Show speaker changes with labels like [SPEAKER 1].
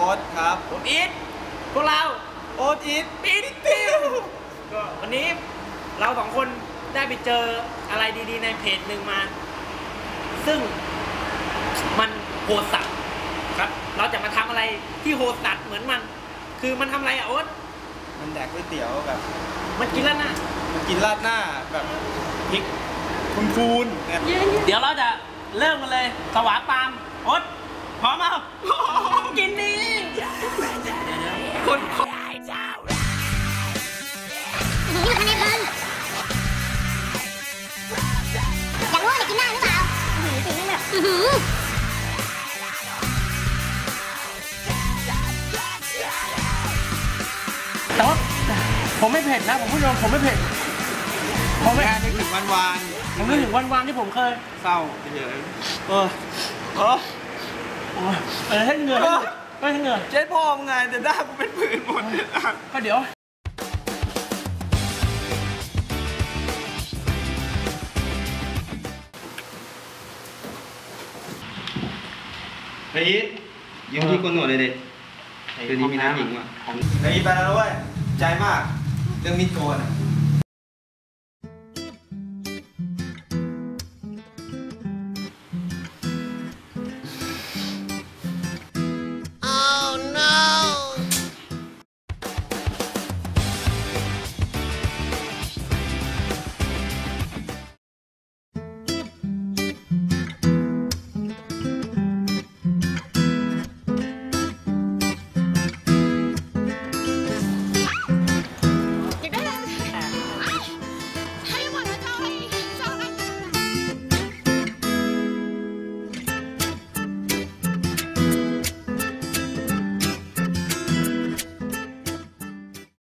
[SPEAKER 1] อ๊ตครับ
[SPEAKER 2] ผมอีทพวกเรา
[SPEAKER 1] โอ๊ตอีท
[SPEAKER 2] ปิ๊ดปิวก็วันนี้เราสองคนได้ไปเจออะไรดีๆในเพจหนึ่งมา ซึ่งมันโหดสัตว์ครับเราจะมาทำอะไรที่โหดสัตว์เหมือนมันคือมันทำอะไรอะโอ๊ต
[SPEAKER 1] มันแดกก๋วยเตี๋ยวแบบ
[SPEAKER 2] มันกินแล้วนะ
[SPEAKER 1] มันกินราดหน้าแบบพริกคูนๆเนี่ย
[SPEAKER 2] เดี๋ยวเราจะเริ่มกันเลยสวาปามโอ๊ตพร้อมมั้ยกินดีคน
[SPEAKER 3] นี่มันทำในเพลินอยากรู้ว่าจะกินได้หรือเปล่าจริงๆแบบ
[SPEAKER 2] แต่ว่าผมไม่เผ็ดนะผมพูดตรงผมไม่เผ็ดผมไม่
[SPEAKER 1] นึกถึงวัน
[SPEAKER 2] ผมนึกถึงวันที่ผมเคย
[SPEAKER 1] เศร้าเฉย
[SPEAKER 2] ให้เหงื่อให้เหงื่อ
[SPEAKER 1] เจ๊พ่อมึงไงแต่หน้ากูเป็นผื่นหมด
[SPEAKER 2] ก็เดี๋ยว
[SPEAKER 1] เฮ้ยยิ้มที่คนหนวดเลยเด็กเดี๋ยวนี้มีน้ำหญิงว่ะเฮ้ยไปแล้วเว้ยใจมากเรื่องมิดโกน